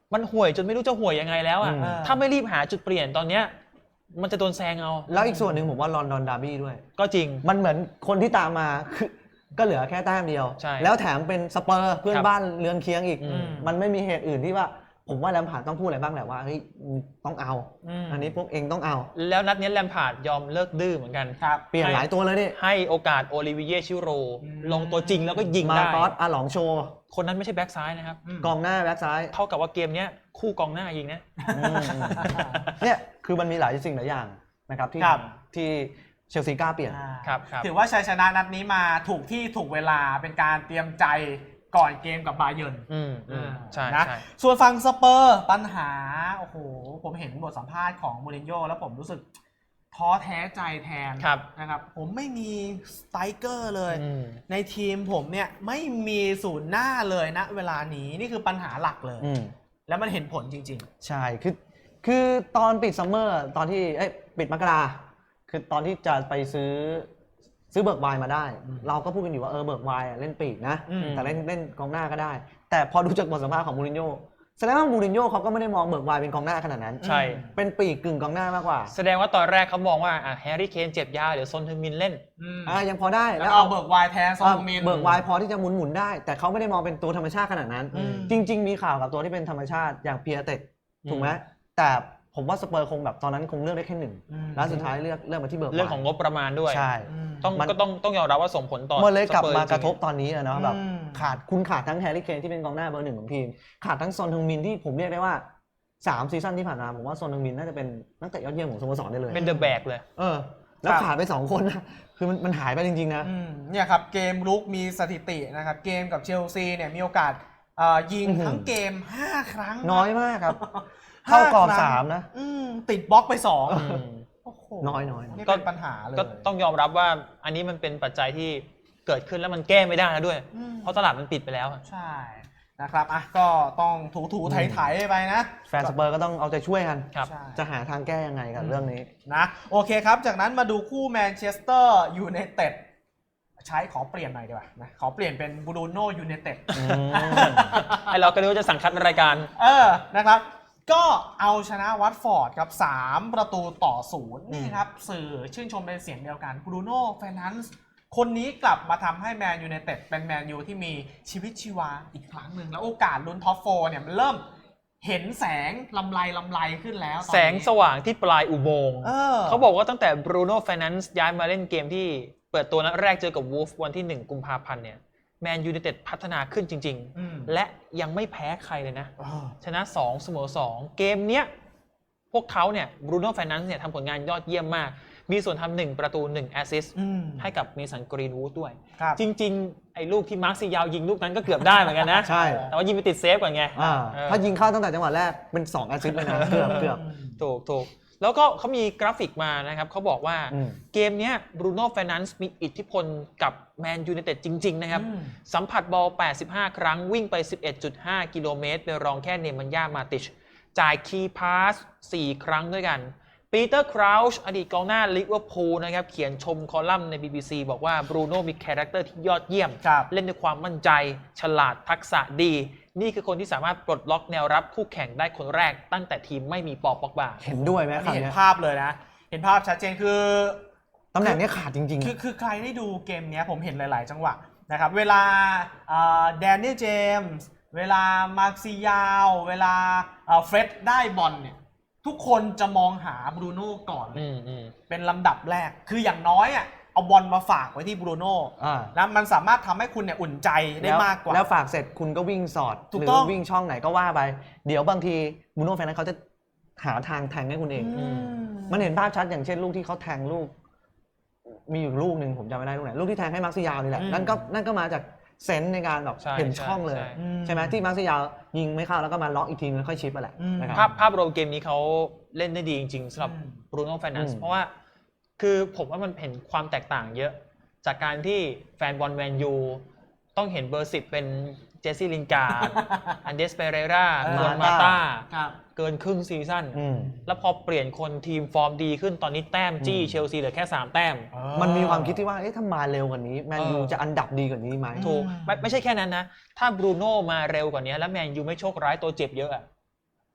[SPEAKER 2] มันห่วยจนไม่รู้จะห่วยยังไงแล้วอ่ะ
[SPEAKER 3] อืม
[SPEAKER 2] ถ้าไม่รีบหาจุดเปลี่ยนตอนเนี้ยมันจะโดนแซงเอา
[SPEAKER 3] แล้วอีกส่วนหนึ่งผมว่าลอนดอนดาร์บี้ด้วย
[SPEAKER 2] ก็จริง
[SPEAKER 3] มันเหมือนคนที่ตามมาคือก็เหลือแค่แต้มเดียว
[SPEAKER 2] ใช่
[SPEAKER 3] แล้วแถมเป็นสเปอร์เพื่อน
[SPEAKER 2] ครับ
[SPEAKER 3] บ้านเรือนเคียงอีก
[SPEAKER 2] อืม
[SPEAKER 3] มันไม่มีเหตุอื่นที่ว่า ผมว่าแลมพาร์ดต้องพูดอะไรบ้างแหละว่าเฮ้ยต้องเอา
[SPEAKER 1] อืม
[SPEAKER 3] อันนี้พวกเองต้องเอา
[SPEAKER 2] แล้วนัดนี้แลมพาร์ดยอมเลิกดื้อเหมือนกัน
[SPEAKER 1] ครับ
[SPEAKER 3] เปลี่ยนหลายตัวเลยนี่
[SPEAKER 2] ให้โอกาสโอลิเวียชิโร
[SPEAKER 1] อืม
[SPEAKER 2] ลงตัวจริงแล้วก็ยิง
[SPEAKER 3] มา
[SPEAKER 2] ได้
[SPEAKER 3] ตอสอาหลองโชว์
[SPEAKER 2] คนนั้นไม่ใช่แบ็กซ้ายนะครับ
[SPEAKER 1] อืม
[SPEAKER 3] กองหน้าแบ็คซ้าย
[SPEAKER 2] เท่ากับว่าเกมเนี้ยคู่กองหน้ายิงนะ
[SPEAKER 3] อืมเนี่ยคือมันมีหลายสิ่งหลายอย่างนะครับที่
[SPEAKER 1] ครับ
[SPEAKER 3] ที่เชลซีกล้าเปลี่ยน
[SPEAKER 1] อ่า
[SPEAKER 2] ครับครับ
[SPEAKER 1] ถือว่าชัยชนะนัดนี้มาถูกที่ถูกเวลาเป็นการเตรียมใจก่อนเกมกับบาเยิร์น
[SPEAKER 2] อืมอืมใช่
[SPEAKER 1] นะ
[SPEAKER 2] ใช่
[SPEAKER 1] ส่วนฝั่งสเปอร์ปัญหาโอ้โหผมเห็นบทสัมภาษณ์ของมูรินโญ่แล้วผมรู้สึกท้อแท้ใจแทน
[SPEAKER 2] ครับ
[SPEAKER 1] นะครับผมไม่มีสไตรเกอร์เลย
[SPEAKER 2] อืม
[SPEAKER 1] ในทีมผมเนี่ยไม่มีศูนย์หน้าเลยนะเวลานี้นี่คือปัญหาหลักเลย
[SPEAKER 3] อืม
[SPEAKER 1] แล้วมันเห็นผลจริง
[SPEAKER 3] ใช่คือคือตอนปิดซัมเมอร์ตอนที่เอ้ยปิดมกราคือตอนที่จะไปซื้อซื้อเบิร์กไวน์มาได้
[SPEAKER 1] อืม
[SPEAKER 3] เราก็พูดกันอยู่ว่าเออเบิร์กไวน์อะเล่นปีกนะ
[SPEAKER 1] อืม
[SPEAKER 3] แต่เล่นเล่นกองหน้าก็ได้ แต่พอดูจากบทสัมภาษณ์ของมูรินโญ่แสดงว่ามูรินโญ่เขาก็ไม่ได้มองเบิร์กไวน์เป็นกองหน้าขนาดนั้น
[SPEAKER 2] ใช่
[SPEAKER 3] เป็นปีกกึ่งกองหน้ามากกว่า
[SPEAKER 2] แสดงว่าตอนแรกเขามองว่าอ่ะแฮร์รี่เคนเจ็บยาเดี๋ยวซนทึงมินเล่น
[SPEAKER 1] ๆอืม
[SPEAKER 3] อ่ายังพอได้
[SPEAKER 1] แล้วเอาเบิร์กไวน์แทนซองมิน
[SPEAKER 3] เบิร์กไวน์พอที่จะหมุนหมุนๆได้ แต่เขาไม่ได้มองเป็นตัวธรรมชาติขนาดนั้น
[SPEAKER 1] อืม
[SPEAKER 3] จริง ๆ มีข่าวกับตัวที่เป็นธรรมชาติอย่างเปียเต็ด
[SPEAKER 2] อืม
[SPEAKER 3] ถูกไหมแต่ผมว่าสเปอร์คงแบบตอนนั้นคงเลือกได้แค่หนึ่ง
[SPEAKER 1] อืม
[SPEAKER 3] แล้วสุดท้ายเลือกเลือกมาที่เบิร์กไวน์
[SPEAKER 2] เรื่องของงบประมาณด้วย
[SPEAKER 3] ใช่
[SPEAKER 1] อืม
[SPEAKER 2] ต้อง
[SPEAKER 3] มัน
[SPEAKER 2] ก็ต้องต้องยอมรับว่าส่งผลต่อ
[SPEAKER 3] มันเลยกลับ
[SPEAKER 2] สปอ
[SPEAKER 3] มา
[SPEAKER 2] จงๆ
[SPEAKER 3] กระทบตอนนี้อะเนาะแบบ
[SPEAKER 1] อืม
[SPEAKER 3] ขาดคุณขาดทั้งแฮร์รี่เคนที่เป็นกองหน้าเบอร์หนึ่งของทีม ขาดทั้งซอนฮึงมินที่ผมเรียกได้ว่าสามซีซั่นที่ผ่านมาผมว่าซอนฮึงมินน่าจะเป็นนักเตะยอดเยี่ยมของสโมสรได้เลย
[SPEAKER 2] เป็นเดอะแบกเลย
[SPEAKER 3] เออ แล้ว
[SPEAKER 1] ครับ
[SPEAKER 3] ขาดไปสองคนนะคือมันมันหายไปจริงๆนะ
[SPEAKER 1] อืมเนี่ยครับเกมลุกมีสถิตินะครับเกมกับเชลซีเนี่ยมีโอกาสเอ่อยิง
[SPEAKER 3] อื้อหือ
[SPEAKER 1] ทั้งเกม ห้า ครั้ง
[SPEAKER 3] น้อยมากครับ
[SPEAKER 1] ห้า
[SPEAKER 3] เข้ากรอบ
[SPEAKER 1] ครั้ง
[SPEAKER 3] สามนะ
[SPEAKER 1] อืมติดบล็อกไปสอง
[SPEAKER 2] อืม
[SPEAKER 1] โอ้โห
[SPEAKER 3] น้อยน้อย
[SPEAKER 1] นี่
[SPEAKER 2] ก็
[SPEAKER 1] เป็นปัญหาเลย
[SPEAKER 2] ก็ต้องยอมรับว่าอันนี้มันเป็นปัจจัยที่เกิดขึ้นแล้วมันแก้ไม่ได้แล้วด้วย
[SPEAKER 1] อืม
[SPEAKER 2] เพราะตลาดมันปิดไปแล้วอะ
[SPEAKER 1] ใช่นะครับอ่ะก็ต้องถูถูไถไถไปนะ
[SPEAKER 3] แฟนสเปอร์ก็ต้องเอาใจช่วยกัน
[SPEAKER 2] ครับ
[SPEAKER 1] ใช่
[SPEAKER 3] จะหาทางแก้ยังไงกับเรื่องนี้
[SPEAKER 1] นะโอเคครับ จากนั้นมาดูคู่แมนเชสเตอร์ยูไนเต็ดใช้ขอเปลี่ยนหน่อยดีกว่านะขอเปลี่ยนเป็นบรูโน่ยูไนเต็ด
[SPEAKER 3] อืม
[SPEAKER 2] ไอเราก็รู้ว่าจะสั่งคัดรายการ
[SPEAKER 1] เออ นะครับ ก็เอาชนะวัตฟอร์ดครับสามประตูต่อศูนย์นี่ครับ สื่อชื่นชมเป็นเสียงเดียวกันบรูโน่เฟรนันซ์คนนี้กลับมาทำให้แมนยูไนเต็ดเป็นแมนยูที่มีชีวิตชีวาอีกครั้งหนึ่งแล้วโอกาสลุ้นท็อปโฟร์เนี่ยมันเริ่มเห็นแสงลำไรลำไรขึ้นแล้วตอนนี้
[SPEAKER 2] แสงสว่างที่ปลายอุโมงค์
[SPEAKER 1] เออ
[SPEAKER 2] เขาบอกว่าตั้งแต่บรูโน่ไฟแนนซ์ย้ายมาเล่นเกมที่เปิดตัวนัดแรกเจอกับวูฟวันที่หนึ่งกุมภาพันธ์เนี่ยแมนยูไนเต็ดพัฒนาขึ้นจริง
[SPEAKER 1] อืม
[SPEAKER 2] ๆ และยังไม่แพ้ใครเลยนะ
[SPEAKER 1] เออ
[SPEAKER 2] ชนะสองเสมอสองเกมเนี้ยพวกเขาเนี่ยบรูโน่ไฟแนนซ์เนี่ยทำผลงานยอดเยี่ยมมาก มีส่วนทำหนึ่งประตูหนึ่งแอสซิสต์
[SPEAKER 1] อืม
[SPEAKER 2] ให้กับเมสันกรีนวูดด้วย
[SPEAKER 1] ครับ
[SPEAKER 2] จริงๆ ไอ้ลูกที่มาร์คซิยาวยิงลูกนั้นก็เกือบได้เหมือนกันนะ
[SPEAKER 3] ใช่
[SPEAKER 2] แต่ว่ายิงไปติดเซฟก่อนไง
[SPEAKER 3] อ่า
[SPEAKER 2] เออ
[SPEAKER 3] ถ้ายิงเข้าตั้งแต่จังหวะแรกเป็นสองแอสซิสต์เลยนะเกือบเกือบ
[SPEAKER 2] ถูกถูกแล้วก็เขามีกราฟิกมานะครับเขาบอกว่า
[SPEAKER 3] อืม
[SPEAKER 2] เกมเนี้ยบรูโน่ไฟแนนซ์มีอิทธิพลกับแมนยูไนเต็ดจริง ๆ นะครับ
[SPEAKER 1] อืม
[SPEAKER 2] สัมผัสบอล แปดสิบห้า ครั้งวิ่งไป สิบเอ็ดจุดห้า กิโลเมตรไปรองแค่เนมันย่ามาติช จ่ายคีย์พาส สี่ ครั้งด้วยกัน ปีเตอร์คราวช์อดีตกองหน้าลิเวอร์พูลนะครับเขียนชมคอลัมน์ใน บี บี ซี บอกว่าบรูโน่มีคาแรคเตอร์ที่ยอดเยี่ยม
[SPEAKER 1] ครับ
[SPEAKER 2] เล่นด้วยความมั่นใจ ฉลาดทักษะดี นี่คือคนที่สามารถปลดล็อกแนวรับคู่แข่งได้คนแรกตั้งแต่ทีมไม่มีปอป็อกบา
[SPEAKER 3] เห็นด้วยไหม
[SPEAKER 1] อัน
[SPEAKER 3] ครั
[SPEAKER 1] นี้
[SPEAKER 3] บ
[SPEAKER 1] เห็น
[SPEAKER 3] เนี่ย
[SPEAKER 1] ภาพเลยนะ เห็นภาพชัดเจนคือ
[SPEAKER 3] ตำแหน่งเนี้ยขาดจริง
[SPEAKER 1] คือคือใครได้ดูเกมเนี้ยผมเห็นหลาย ๆ จังหวะนะครับ เวลาแดเนียลเจมส์เวลามาร์คซิยาวเวลาเฟร็ดได้บอลเนี่ยทุกคนจะมองหาบรูโน่ก่อนเลย
[SPEAKER 2] อืมอืม
[SPEAKER 1] เป็นลำดับแรก คืออย่างน้อยอ่ะเอาบอลมาฝากไว้ที่บรูโน่
[SPEAKER 3] ๆอ่า
[SPEAKER 1] นะมันสามารถทำให้คุณเนี่ยอุ่นใจได้มากกว่า
[SPEAKER 3] แล้วฝากเสร็จคุณก็วิ่งสอด
[SPEAKER 1] ถูก
[SPEAKER 3] หรื
[SPEAKER 1] ต้อง
[SPEAKER 3] วิ่งช่องไหนก็ว่าไป เดี๋ยวบางทีบูโน่แฟนนั้นเขาจะหาทางแทงให้คุณเอง
[SPEAKER 1] อืม
[SPEAKER 3] มันเห็นภาพชัดอย่างเช่นลูกที่เขาแทงลูก มีอยู่ลูกหนึ่งผมจำไม่ได้ลูกไหนลูกที่แทงให้มาร์คซิยาวนี่แหละ
[SPEAKER 1] อืม
[SPEAKER 3] นั่นก็นั่นก็มาจากเซนส์ในการแบบ
[SPEAKER 2] ใช่
[SPEAKER 3] เห็นช่องเลย
[SPEAKER 2] ใช่
[SPEAKER 1] อืม
[SPEAKER 3] ใช่ไหมที่มาร์คซิยาวยิงไม่เข้าแล้วก็มาล็อกอีกทีนึงแล้วค่อยชิปไปแหละ
[SPEAKER 1] อืม
[SPEAKER 3] นะค
[SPEAKER 2] ภา
[SPEAKER 3] รั
[SPEAKER 2] พ
[SPEAKER 3] บ
[SPEAKER 2] ภาพรวมเกมนี้เขาเล่นได้ดีจริงๆสำหรับ
[SPEAKER 1] อืม
[SPEAKER 2] บรูโน่ไฟแนน
[SPEAKER 3] อื
[SPEAKER 2] ซ์
[SPEAKER 3] ม
[SPEAKER 2] เพราะว่าคือผมว่ามันเห็นความแตกต่างเยอะ จากการที่แฟนบอลแมนยูต้องเห็นเบอร์สิบเป็นเจสซี่ลินการ์ด อันเดสเปเรรา
[SPEAKER 1] เออ
[SPEAKER 2] โดนมาต้า
[SPEAKER 1] ครับ
[SPEAKER 2] เกินครึ่งซีซั่น
[SPEAKER 3] อืม
[SPEAKER 2] แล้วพอเปลี่ยนคนทีมฟอร์มดีขึ้นตอนนี้แต้มจี้
[SPEAKER 3] อืม
[SPEAKER 2] เชลซีเหลือแค่สามแต้ม
[SPEAKER 3] มันมีความคิดที่ว่าเอ๊ะถ้ามาเร็วกว่านี้แมนยู
[SPEAKER 2] เออ
[SPEAKER 3] จะอันดับดีกว่านี้ไหม
[SPEAKER 2] ถูกไม่ไม่ใช่แค่นั้นนะ ถ้าบรูโน่มาเร็วกว่านี้แล้วแมนยูไม่โชคร้ายตัวเจ็บเยอะอะ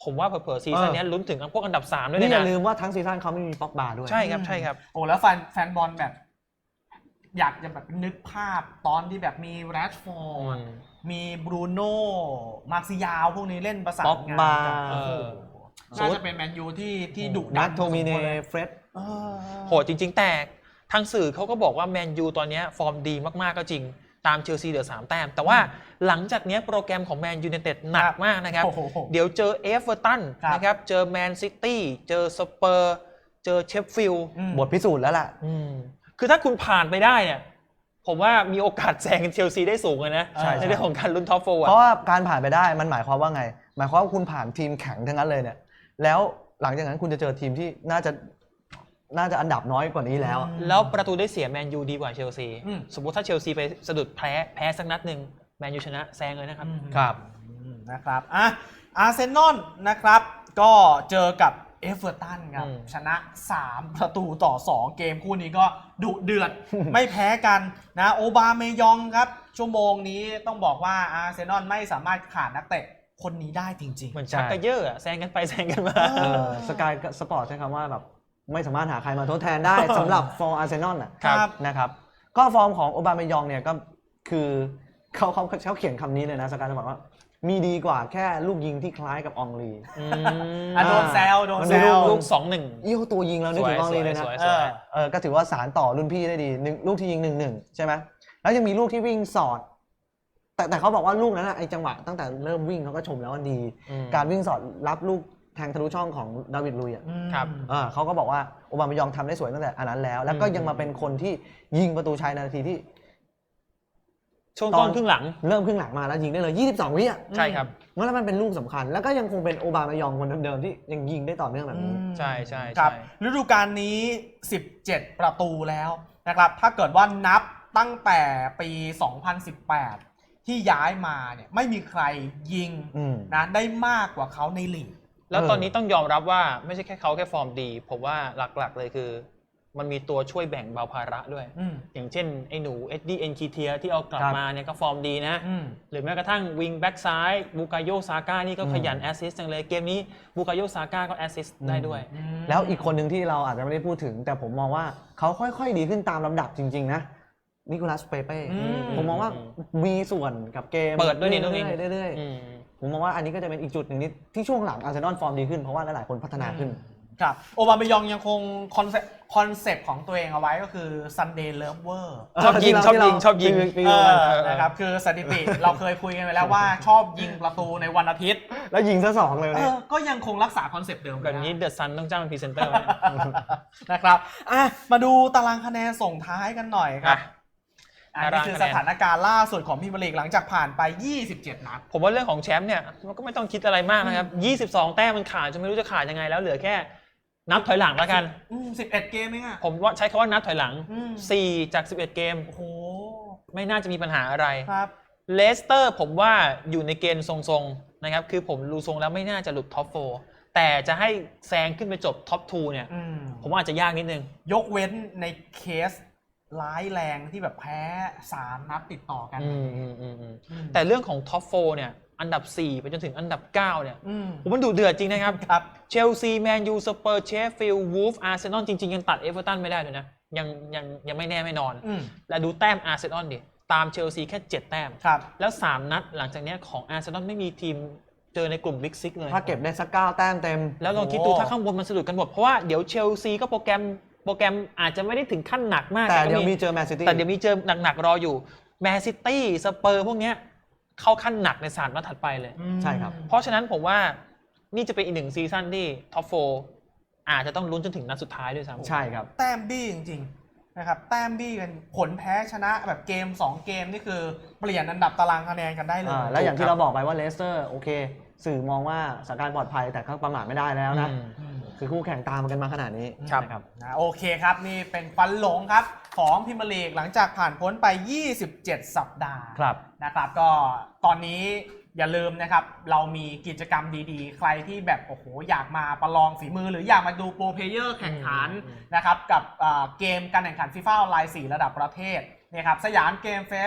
[SPEAKER 2] ผมว่าเผลอๆซีซั่นนี้ลุ้นถึงพวกอันดับสามด้วย
[SPEAKER 3] นี่
[SPEAKER 2] นะ
[SPEAKER 3] อย่าลืมว่าทั้งซีซั่นเขาไม่มีป็อกบาด้วย
[SPEAKER 2] ใช่ครับใช่ครับ
[SPEAKER 1] โอ้แล้วแฟนแฟนบอลแบบ อยากจะแบบนึกภาพตอนที่แบบมีแรชฟอร์ดมีบรูโน่มาร์ซิยาวพวกนี้เล่นประสานงานกันโอ้โหน่าจะเป็นแมนยูที่ที่ดุดั
[SPEAKER 3] นั
[SPEAKER 1] น
[SPEAKER 3] ทโทมิเนเฟรด
[SPEAKER 2] โหดจริงๆแต่ทางสื่อเขาก็บอกว่าแมนยูตอนนี้ฟอร์มดีมากๆก็จริงตามเชลซีเหลือสามแต้มแต่ว่าหลังจากนี้โปรแกรมของแมนยูไนเต็ดหนักมากนะครับเดี๋ยวเจอเอฟเวอร์ตันนะครับเจอแมนซิตี้เจอสเปอร์เจอเชฟฟิลด์
[SPEAKER 3] บทพิสูจน์แล้วล่ะ
[SPEAKER 2] คือถ้าคุณผ่านไปได้เนี่ยผมว่ามีโอกาสแซงเชลซีได้สูงเลยนะในเรื่องของการลุ้นท็อปโฟร์
[SPEAKER 3] เพราะว่าการผ่านไปได้มันหมายความว่าไงหมายความว่าคุณผ่านทีมแข็งทั้งนั้นเลยเนี่ยแล้วหลังจากนั้นคุณจะเจอทีมที่น่าจะน่าจะอันดับน้อยกว่านี้แล้ว
[SPEAKER 2] แล้วประตูได้เสียแมนยูดีกว่าเชลซีสมมติถ้าเชลซีไปสะดุดแพ้แพ้สักนัดหนึ่งแมนยูชนะแซงเลยนะครับ
[SPEAKER 3] ครับ
[SPEAKER 1] นะครับอ่ะอาร์เซนอลนะครับก็เจอกับเอฟเวอร์ตันครับชนะสามประตูต่อสองเกมคู่นี้ก็ดุเดือด ไม่แพ้กันนะโอบาเมยองครับชั่วโมงนี้ต้องบอกว่าอาร์เซนอลไม่สามารถขาดนักเตะคนนี้ได้จริงๆ
[SPEAKER 2] เหมือนชักกระเยอะแซงกันไปแซงกันมา
[SPEAKER 3] สกายสปอร์ตใช้คำว่าแบบไม่สามารถหาใครมาทดแทนได้ สำหรับฟอร์มอาร์เซนอลนะครับก็ฟอร์มของโอบาเมยองเนี่ยก็คือเขาเขาเขาเขียนคำนี้เลยนะสกายจะบอกว่ามีดีกว่าแค่ลูกยิงที่คล้ายกับอองลี
[SPEAKER 1] อ่ะโดนแซวโดนแซว
[SPEAKER 2] ลูกสองหนึ่ง
[SPEAKER 3] ยี่ห้อตัวยิงแล้วนึกถึงอองลีเลยนะเออก็ถือว่าสารต่อรุ่นพี่ได้ดีลูกที่ยิงหนึ่งหนึ่งใช่ไหมแล้วยังมีลูกที่วิ่งสอดแต่แต่เขาบอกว่าลูกนั้นไอ้จังหวะตั้งแต่เริ่มวิ่งเขาก็ชมแล้วว่าดีการวิ่งสอดรับลูกแทงทะลุช่องของดาวิดลุยอ่ะ
[SPEAKER 2] ครับ
[SPEAKER 3] เขาก็บอกว่าโอบามายองทำได้สวยตั้งแต่อันนั้นแล้วแล้วก็ยังมาเป็นคนที่ยิงประตูชัยในนาทีที่
[SPEAKER 2] ช่วงต้นครึ่งหลัง
[SPEAKER 3] เริ่มครึ่งหลังมาแล้วยิงได้เลยยี่สิบสองวิอ่ะ
[SPEAKER 2] ใช่ครับ
[SPEAKER 3] แล้วมันเป็นลูกสำคัญแล้วก็ยังคงเป็นโอบามายองคนเดิมๆที่ยังยิงได้ต่อเนื่องแบบนี้
[SPEAKER 2] ใช่ใช่
[SPEAKER 1] ครับฤดูกาลนี้สิบเจ็ดประตูแล้วนะครับถ้าเกิดว่านับตั้งแต่ปีสองพันสิบแปดที่ย้ายมาเนี่ยไม่มีใครยิงนะได้มากกว่าเขาในลีก
[SPEAKER 2] แล้วตอนนี้ต้องยอมรับว่าไม่ใช่แค่เขาแค่ฟอร์มดีผมว่าหลักๆเลยคือมันมีตัวช่วยแบ่งเบาภาระด้วยอย่างเช่นไอ้หนูเอ็ดดี้เอ็นคีเทียที่เอากลับมาเนี่ยก็ฟอร์มดีนะหรือแม้กระทั่งวิงแบ็กซ้ายบูกาโยซาก้านี่ก็ขยันแอสซิสต์จังเลยเกมนี้บูกาโยซาก้าก็แอสซิสต์ได้ด้วย
[SPEAKER 3] แล้วอีกคนหนึ่งที่เราอาจจะไม่ได้พูดถึงแต่ผมมองว่าเขาค่อยๆดีขึ้นตามลำดับจริงๆนะนิโคลัสเปเป้ผมมองว่ามีส่วนกับเกม
[SPEAKER 2] เปิดด้วยนี่ต้อง
[SPEAKER 3] เรื่อยๆผมมองว่าอันนี้ก็จะเป็นอีกจุดหนึ่งที่ช่วงหลังอาร์เซนอลฟอร์มดีขึ้นเพราะว่าหลายๆคนพัฒนาขึ้น
[SPEAKER 1] ครับโอบาเมยองยังคงคอนเซ็ปต์คอนเซ็ปต์ของตัวเองเอาไว้ก็คือ Sunday Lover
[SPEAKER 2] ชอบยิงชอบยิงชอบยิง
[SPEAKER 1] นะครับคือสถิติเราเคยคุยกันไปแล้วว่าชอบยิงประตูในวันอาทิตย์
[SPEAKER 3] แล้วยิงซะสองเลย
[SPEAKER 1] ก็ยังคงรักษาคอนเซ็ปต์เดิม
[SPEAKER 2] แบบนี้เดอะซันต้องจ้างเป็นพรีเซนเตอร์
[SPEAKER 1] นะครับอ่ะมาดูตารางคะแนนส่งท้ายกันหน่อยครับอันนี้คือสถานการณ์ล่าสุดของพรีเมียร์ลีกหลังจากผ่านไปยี่สิบเจ็ดนัด
[SPEAKER 2] ผมว่าเรื่องของแชมป์เนี่ยมันก็ไม่ต้องคิดอะไรมากนะครับยี่สิบสองแต้มมันขาดจนไม่รู้จะขาดยังไงแล้วเหลือแค่นับถอยหลังแล้วกัน
[SPEAKER 1] สิบเอ็ดเกมเองอ่ะ
[SPEAKER 2] ผมว่าใช้คำว่านับถอยหลังสี่จากสิบเอ็ดเกม
[SPEAKER 1] โอ้โห
[SPEAKER 2] ไม่น่าจะมีปัญหาอะไร
[SPEAKER 1] ครับ
[SPEAKER 2] เลสเตอร์ผมว่าอยู่ในเกณฑ์ทรงๆนะครับคือผมดูทรงแล้วไม่น่าจะหลุดท็อปโฟร์แต่จะให้แซงขึ้นไปจบท็อปทูเนี่ยผมว่าอาจจะยากนิดนึง
[SPEAKER 1] ยกเว้นในเคสร้ายแรงที่แบบแพ้สามนัดติดต่อกัน
[SPEAKER 2] แต่เรื่องของท็อปโฟร์เนี่ยอันดับสี่ไปจนถึงอันดับเก้าเนี่ยผมมันดูเดือดจริงนะครับเชลซีแมนยูสเปอร์เชฟฟิลด์วูฟอาร์เซนอลจริงๆยังตัดเอเวอร์ตันไม่ได้เลยนะยังยังยังไม่แน่ไม่นอนและดูแต้มอาร์เซนอลดิตามเชลซีแค่เจ็ดแต้มแล้วสามนัดหลังจากนี้ของอาร์เซนอลไม่มีทีมเจอในกลุ่มบิ๊กซิกเลย
[SPEAKER 3] ถ้าเก็บได้สักเก้าแต้มเต็ม
[SPEAKER 2] แล้วลองคิดดูถ้าข้างบนมันสะดุดกันหมดเพราะว่าเดี๋ยวเชลซีก็โปรแกรมโปรแกรมอาจจะไม่ได้ถึงขั้นหนักมาก
[SPEAKER 3] แต่เดี๋ยวมีเจอแมนซิตี้
[SPEAKER 2] แต่เดี๋ยวมีเจอหนักๆรออยู่แมนซิตี้สเปอร์พวกเนี้ยเข้าขั้นหนักในสามนัดถัดไปเลย
[SPEAKER 3] ใช่ครับ
[SPEAKER 2] เพราะฉะนั้นผมว่านี่จะเป็นอีกหนึ่งซีซั่นที่ท็อปโฟร์อาจจะต้องลุ้นจนถึงนัดสุดท้ายด้วยซ้ำ
[SPEAKER 3] ใช่ครับ
[SPEAKER 1] แต้มบี้จริงๆนะครับแต้มบี้กันผลแพ้ชนะแบบเกมสองเกมนี่คือเปลี่ยนอันดับตารางคะแนนกันได้เลย
[SPEAKER 3] แล้วอย่างที่เราบอกไปว่าเลสเตอร์โอเคสื่อมองว่าสถานการณ์ปลอดภัยแต่ก็ประมาทไม่ได้แล้วนะคือคู่แข่งตามกันมาขนาดนี้
[SPEAKER 1] นะครับนะโอเคครับนี่เป็นฟันหลงครับของพรีเมียร์ลีกหลังจากผ่านพ้นไปยี่สิบเจ็ดสัปดาห์นะครับก็ตอนนี้อย่าลืมนะครับเรามีกิจกรรมดีๆใครที่แบบโอ้โหอยากมาประลองฝีมือหรืออยากมาดูโปรเพลเยอร์แข่งขันนะครับกับเกมการแข่งขันฟีฟ่าออนไลน์สี่ระดับประเทศนะครับสยามเกมเฟส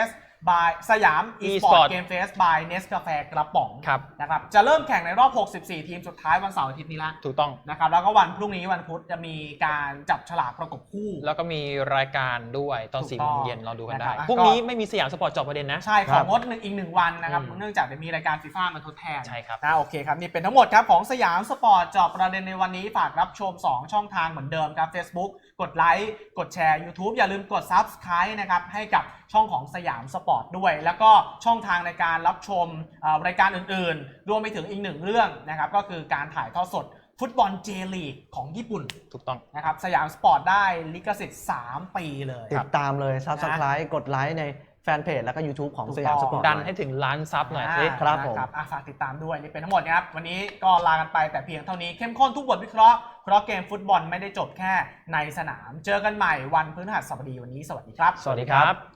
[SPEAKER 1] บายสยาม
[SPEAKER 2] e-sport
[SPEAKER 1] e-sport game fest by Nescafe กระป๋อง
[SPEAKER 2] ครับ
[SPEAKER 1] นะครับจะเริ่มแข่งในรอบหกสิบสี่ทีมสุดท้ายวันเสาร์อาทิตย์นี้ละ
[SPEAKER 2] ถูกต้อง
[SPEAKER 1] นะครับแล้วก็วันพรุ่งนี้วันพุธจะมีการจับฉลากประกบคู่
[SPEAKER 2] แล้วก็มีรายการด้วยตอน
[SPEAKER 1] ถูก
[SPEAKER 2] สี่
[SPEAKER 1] ต้
[SPEAKER 2] โม
[SPEAKER 1] อง
[SPEAKER 2] งเย็นเราดูกัน
[SPEAKER 1] นะ
[SPEAKER 2] ได้
[SPEAKER 1] ครับ
[SPEAKER 2] พรุ่งนี้ไม่มีสยามสปอร์ตเจอบประเด็นนะ
[SPEAKER 1] ใช่ข
[SPEAKER 3] ครั
[SPEAKER 1] อบ งงดหนึ่งอีกหนึ่งวันนะครับ
[SPEAKER 2] อืม
[SPEAKER 1] เนื่องจากจะมีรายการฟีฟ่ามาทดแทน
[SPEAKER 2] ใช่ครับ
[SPEAKER 1] นะโอเคครับนี่เป็นทั้งหมดครับของสยามสปอร์ตเจอบประเด็นในวันนี้ฝากรับชมสองช่องทางเหมือนเดิมครับ Facebook กดไลค์กดแชร์ YouTube อย่าลืมกด Subscribe นะครับให้กับช่องของสยามสปอร์ตด้วย แล้วก็ช่องทางในการรับชมเอ่อรายการอื่นๆ รวมไปถึงอีกหนึ่งเรื่องนะครับก็คือการถ่ายทอดสดฟุตบอลเจลีกของญี่ปุ่น
[SPEAKER 2] ถูกต้อง
[SPEAKER 1] นะครับสยามสปอร์ตได้ลิขสิทธิ์สามปีเลย
[SPEAKER 3] ติดตามเลย Subscribe กดไลค์ในแฟนเพจแล้วก็ YouTube ของสยามสปอร์ต
[SPEAKER 2] ดันให้ถึงล้านซับหน่อยสิ
[SPEAKER 3] ครับผม
[SPEAKER 1] นะอ่ะฝากติดตามด้วยนี่เป็นทั้งหมดนะครับวันนี้ก็ลากันไปแต่เพียงเท่านี้เข้มข้นทุกบทวิเคราะห์เพราะเกมฟุตบอลไม่ได้จบแค่ในสนาม เจอกันใหม่วันพฤหัสบดีวันนี้สวัสดีครับ
[SPEAKER 2] สวัสดีครับ